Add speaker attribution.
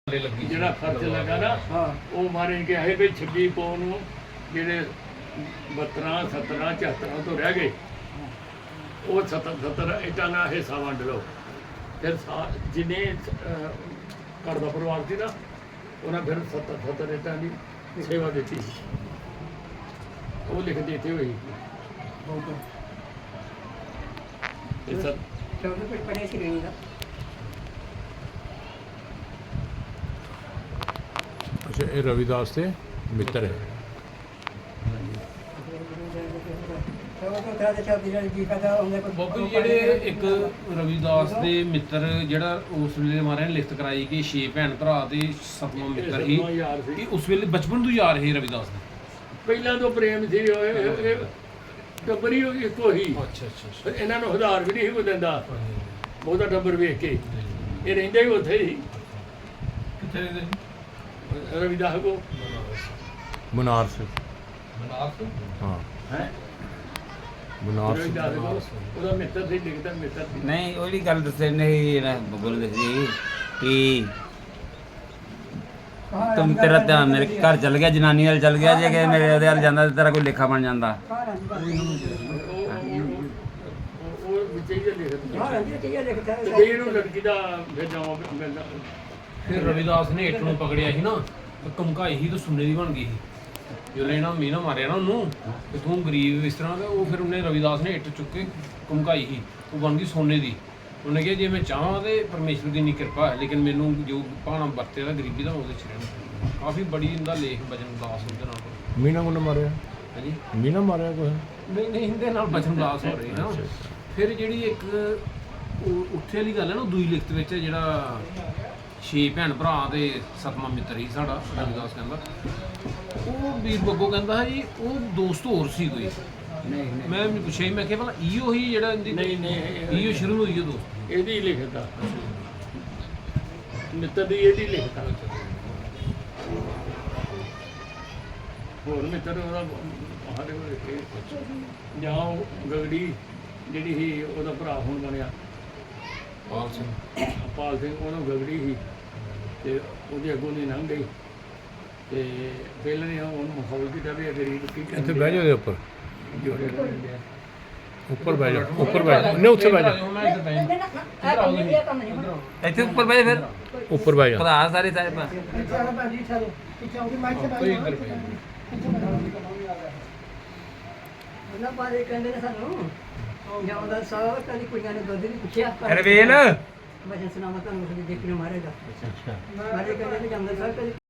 Speaker 1: ਜਿਹੜਾ ਖਰਚ ਲੱਗਾ ਨਾ ਉਹ ਮਾਰੇ ਕਿ ਹੈ ਵੀ 26 ਪੌਂ ਨੂੰ ਜਿਹੜੇ 72 17 74 ਤੋਂ ਰਹਿ ਗਏ ਉਹ 70 ਇੱਟਾਂ ਦਾ ਹਿੱਸਾ ਵੰਡ ਲਓ। ਫਿਰ ਜਿੰਨੇ ਘਰ ਦਾ ਪਰਿਵਾਰ ਸੀ ਨਾ ਉਹਨਾਂ ਫਿਰ 70 ਇੱਟਾਂ ਦੀ ਸੇਵਾ ਦਿੱਤੀ ਉਹ ਲਿਖ ਦਿੱਤੇ ਹੋਈ
Speaker 2: अच्छा ये रविदास के मित्र है।
Speaker 3: ਬਾਬੂ ਜਿਹੜੇ ਇੱਕ ਰਵਿਦਾਸ ਦੇ ਮਿੱਤਰ ਜਿਹੜਾ ਉਸ ਵੇਲੇ ਮਹਾਰਾਜ ਨੇ ਲਿਖਤ ਕਰਾਈ ਕਿ 6 ਭੈਣ ਭਰਾ ਦੇ 7ਵਾਂ ਮਿੱਤਰ ਸੀ ਕਿ ਉਸ ਵੇਲੇ ਬਚਪਨ ਤੋਂ ਯਾਰ ਹੈ ਰਵਿਦਾਸ ਦੇ
Speaker 1: ਪਹਿਲਾਂ ਤੋਂ ਪ੍ਰੇਮ ਸੀ ਟੱਬਰੀ ਇੱਕੋ ਹੀ।
Speaker 3: ਅੱਛਾ
Speaker 1: ਇਹਨਾਂ ਨੂੰ ਹਜ਼ਾਰ ਵੀ ਨਹੀਂ ਸੀ ਦਿੰਦਾ ਬਹੁਤਾ ਟੱਬਰ ਵੇਖ ਕੇ ਇਹ ਰਹਿੰਦੇ ਹੀ ਉੱਥੇ ਹੀ
Speaker 3: ਕਿੱਥੇ ਰਹਿੰਦੇ ਸੀ
Speaker 1: ਰਵਿਦਾਸ ਕੋ
Speaker 2: बनारस हाँ
Speaker 1: ਹੈ
Speaker 2: बनारस
Speaker 1: ਉਹਦਾ ਮਿੱਤਰ ਸੀ ਲਿਖਦਾ ਮਿੱਤਰ ਸੀ।
Speaker 4: ਨਹੀਂ ਉਹਦੀ ਗੱਲ ਦੱਸੇ ਨਹੀਂ ਨਾ ਬੱਬੂ ਨੇ ਦੱਸੀ ਕਿ ਤੁਮ ਤੇਰਾ ਧਿਆਨ ਮੇਰੇ ਘਰ ਚਲ ਗਿਆ ਜਨਾਨੀ ਨਾਲ ਚਲ ਗਿਆ ਜੇ ਕਿ ਮੇਰੇ ਉਹਦੇ ਨਾਲ ਜਾਂਦਾ ਤੇਰਾ ਕੋਈ ਲੇਖਾ ਬਣ ਜਾਂਦਾ।
Speaker 1: ਉਹ ਵਿੱਚ ਹੀ ਲਿਖਦਾ ਤੇ ਇਹਨੂੰ ਲੜਕੀ ਦਾ ਫਿਰ ਜਾਵਾਂ ਮਿਲਦਾ।
Speaker 3: ਫਿਰ ਰਵਿਦਾਸ ਨੇ ਇੱਟ ਨੂੰ ਪਕੜਿਆ ਸੀ ਨਾ ਤੇ ਧਮਕਾਈ ਸੀ ਤਾਂ ਸੁਣਨੇ ਦੀ ਬਣ ਗਈ ਸੀ ਜਦੋਂ ਇਹਨਾਂ ਮੀਨਾ ਮਾਰਿਆ ਨਾ ਉਹਨੂੰ ਤੇ ਤੂੰ ਗਰੀਬ ਇਸ ਤਰ੍ਹਾਂ ਦਾ ਉਹ ਫਿਰ ਉਹਨੇ ਰਵਿਦਾਸ ਨੇ ਇੱਟ ਚੁੱਕ ਕੇ ਧਮਕਾਈ ਸੀ ਉਹ ਬਣ ਗਈ ਸੋਨੇ ਦੀ। ਉਹਨੇ ਕਿਹਾ ਜੇ ਮੈਂ ਚਾਹਾਂ ਤੇ ਪਰਮੇਸ਼ਰ ਦੀ ਇੰਨੀ ਕਿਰਪਾ ਹੈ ਲੇਕਿਨ ਮੈਨੂੰ ਜੋ ਭਾਣਾ ਵਰਤੇ ਦਾ ਗਰੀਬੀ ਦਾ ਉਹਦੇ 'ਚ ਰਹਿਣਾ। ਕਾਫੀ ਬੜੀ ਇਹਦਾ ਲੇਖ ਬਚਨ ਦਾਸ ਉਹਦੇ ਨਾਲ।
Speaker 2: मीना को मारे
Speaker 3: ਹਾਂਜੀ
Speaker 2: मीना मारे कोई
Speaker 3: ਨਹੀਂ ਇਹਦੇ ਨਾਲ ਬਚਨ ਦਾਸ ਹੋ ਰਹੇ ਨਾ। ਫਿਰ ਜਿਹੜੀ ਇੱਕ ਉੱਥੇ ਵਾਲੀ ਗੱਲ ਹੈ ਨਾ ਦੂਈ ਲਿਖਤ ਵਿੱਚ ਜਿਹੜਾ 6 ਭੈਣ ਭਰਾ ਦੇ 7ਵਾਂ ਮਿੱਤਰ ਸੀ ਸਾਡਾ ਰਵਿਦਾਸ ਕਹਿੰਦਾ ਉਹ ਵੀਰ ਬੱਬੂ ਕਹਿੰਦਾ ਜੀ ਉਹ ਦੋਸਤ ਹੋਰ ਸੀ ਕੋਈ। ਮੈਂ ਪੁੱਛਿਆ ਸੀ, ਮੈਂ ਕਿਹਾ ਭਲਾ ਇਹੋ ਹੀ ਜਿਹੜਾ
Speaker 1: ਨਹੀਂ
Speaker 3: ਇਹੋ ਸ਼ੁਰੂ ਹੋਈ ਉਹ ਦੋਸਤ
Speaker 1: ਇਹਦੀ ਲਿਖਦਾ ਮਿੱਤਰ ਦੀ ਇਹਦੀ ਲਿਖਦਾ ਹੋਰ ਮਿੱਤਰ ਉਹਦਾ ਸਾਡੇ ਕੋਲ ਜਾਂ ਉਹ ਗਗੜੀ ਜਿਹੜੀ ਸੀ ਉਹਦਾ ਭਰਾ ਹੁਣ ਬਣਿਆ
Speaker 3: ਪਾਲ ਸਿੰਘ
Speaker 1: ਪਾਲ ਸਿੰਘ ਉਹਨੂੰ ਗਗੜੀ ਸੀ ਤੇ ਉਹਦੇ ਅੱਗੋਂ ਦੀ ਲੰਘ ਗਈ ਤੇ ਪਹਿਲਾਂ ਨੇ ਉਹਨੂੰ ਮਖੌਲ ਕੀਤਾ ਵੀ ਗਰੀਬ ਕੀ
Speaker 2: इतने बह जाओ ऊपर ऊपर बह जाओ ऊपर बह जाओ नहीं उत्थे बह जाओ
Speaker 4: ਇੱਥੇ ਉੱਪਰ ਬੈ ਫਿਰ
Speaker 2: ऊपर बह जाओ
Speaker 4: ਭਰਾ ਸਾਰੇ ਸਾਰੇ ਪਾ
Speaker 5: ਉਹਨਾਂ ਬਾਰੇ ਕਹਿੰਦੇ ਨੇ ਸਾਨੂੰ ਜਾਂਦਾ ਸਾਹ ਕਦੀ ਕੁੜੀਆਂ ਨੇ ਦੁੱਧ ਨਹੀਂ ਪੁੱਛਿਆ
Speaker 4: ਰਵੇਲ
Speaker 5: ਵਜਨ ਸੁਣਾਵਾਂ ਤੁਹਾਨੂੰ ਦੇਖਣੇ ਮਾਰੇਗਾ ਮਾਰੇ ਕਹਿੰਦੇ ਨੇ ਜਾਂਦਾ ਸਾਹ ਕਦੀ